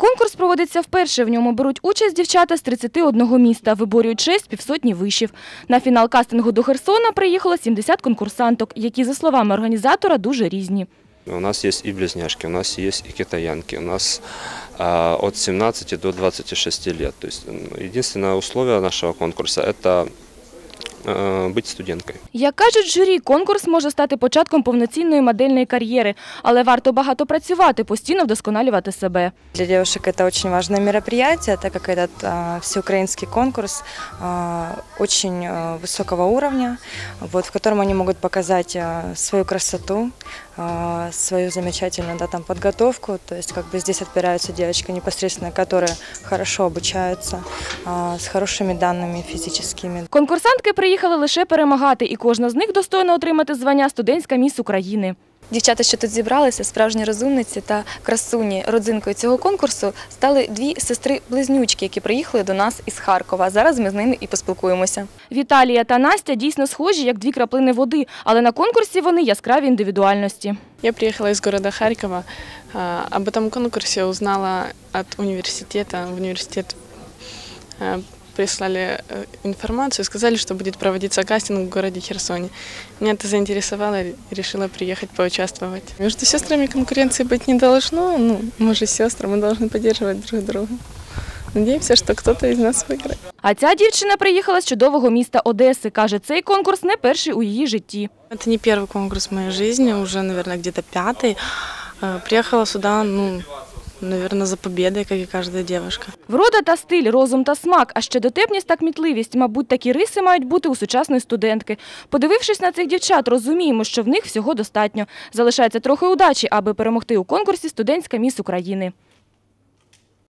Конкурс проводиться вперше. В ньому беруть участь дівчата з 31 міста, виборюють честь півсотні вишів. На фінал кастингу до Херсона приїхало 70 конкурсанток, які, за словами організатора, дуже різні. У нас есть и близняшки, у нас есть и китаянки, у нас от 17 до 26 лет. То есть единственное условие нашего конкурса – это бути студенткою. Як кажуть журі, конкурс може стати початком повноцінної модельної кар'єри, але варто багато працювати, постійно вдосконалювати себе. Для девушек это очень важное мероприятие, так как этот всеукраинский конкурс очень высокого уровня, в котором они могут показать свою красоту, свою замечательную подготовку. То есть здесь отбираются девочки непосредственно, которые хорошо обучаются, с хорошими данными физическими. Конкурсантки приїхали лише перемагати, і кожна з них достойна отримати звання «Студентська міс України». Дівчата, що тут зібралися, справжні розумниці та красуні. Родзинкою цього конкурсу стали дві сестри-близнючки, які приїхали до нас із Харкова. Зараз ми з ними і поспілкуємося. Віталія та Настя дійсно схожі, як дві краплини води, але на конкурсі вони яскраві індивідуальності. Я приехала из города Харькова. Об этом конкурсе узнала от университета. В университет прислали информацию, сказали, что будет проводиться кастинг в городе Херсоне. Меня это заинтересовало, решила приехать поучаствовать. Между сестрами конкуренции быть не должно. Мы же сестры, мы должны поддерживать друг друга. Надеемся, что кто-то из нас выиграет. А ця дівчина приїхала з чудового міста Одеси. Каже, цей конкурс не перший у її житті. Это не первый конкурс в моей жизни, уже, наверное, где-то 5-й. Приехала сюда, наверное, за победой, как и каждая девушка. Врода та стиль, розум та смак, а ще дотепність та кмітливість. Мабуть, такі риси мають бути у сучасної студентки. Подивившись на цих дівчат, розуміємо, що в них всього достатньо. Залишається трохи удачі, аби перемогти у конкурсі «Студентська міс України».